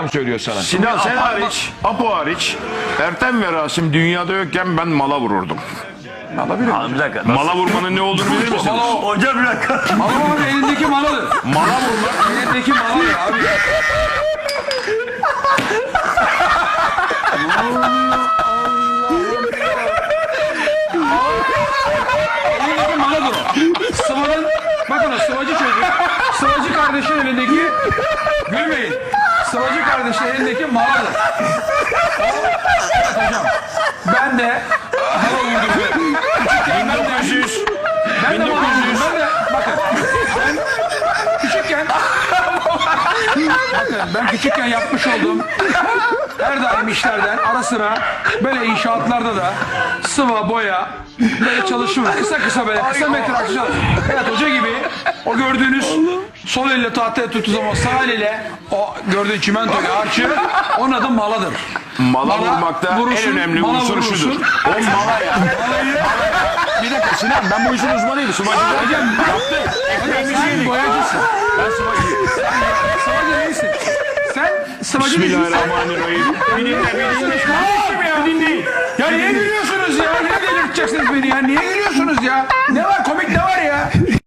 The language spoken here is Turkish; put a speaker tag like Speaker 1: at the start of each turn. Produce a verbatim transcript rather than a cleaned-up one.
Speaker 1: söylüyor sana.
Speaker 2: Sinan sen hariç, Apo hariç, Ertem ve Rasim dünyada yokken ben mala vururdum.
Speaker 3: Abi bir dakika.
Speaker 2: Mala vurmanın ne olduğunu bilir misiniz?
Speaker 3: Hocam bir dakika.
Speaker 1: Mala abi elindeki maladır.
Speaker 2: Mala vurmak.
Speaker 1: Elindeki maladır abi. Elindeki maladır o. Sıvanın, bakın o sıvacı çocuk. Sıvacı kardeşin elindeki, gülmeyin. Sıvacı kardeşin elindeki maladır. Evet hocam. Ben de mala vurdum. Küçükken ben de
Speaker 2: yüz.
Speaker 1: Ben de mala vurdum. Ben de bakın. Ben küçükken bakın ben küçükken yapmış olduğum her daim işlerden ara sıra böyle inşaatlarda da sıva boya böyle çalışım kısa kısa böyle kısa metraj çalışım. Evet hoca gibi o gördüğünüz sol elle tahtaya tuttuğu zaman sağ elle o gördüğün çimentoyu harçı onun adı maladır.
Speaker 2: Mala vurmakta
Speaker 1: vurursun,
Speaker 2: en önemli
Speaker 1: mala
Speaker 2: unsur
Speaker 1: vurursun.
Speaker 2: şudur. O mala ya. Bir dakika Sinan, ben bu işin uzmanıyım. Sıvacı hocam. Yaptı.
Speaker 1: Sen boyacısın.
Speaker 2: Ben sıvacıyım.
Speaker 1: Sıvacı değilsin. Sen sıvacı değilsin.
Speaker 2: Bismillahirrahmanirrahim. Bir dinle, bir dinle. Kardeşim ya. Bir dinleyin.
Speaker 1: Ya niye gülüyorsunuz ya? Niye delirteceksiniz beni ya? Niye gülüyorsunuz ya? Ne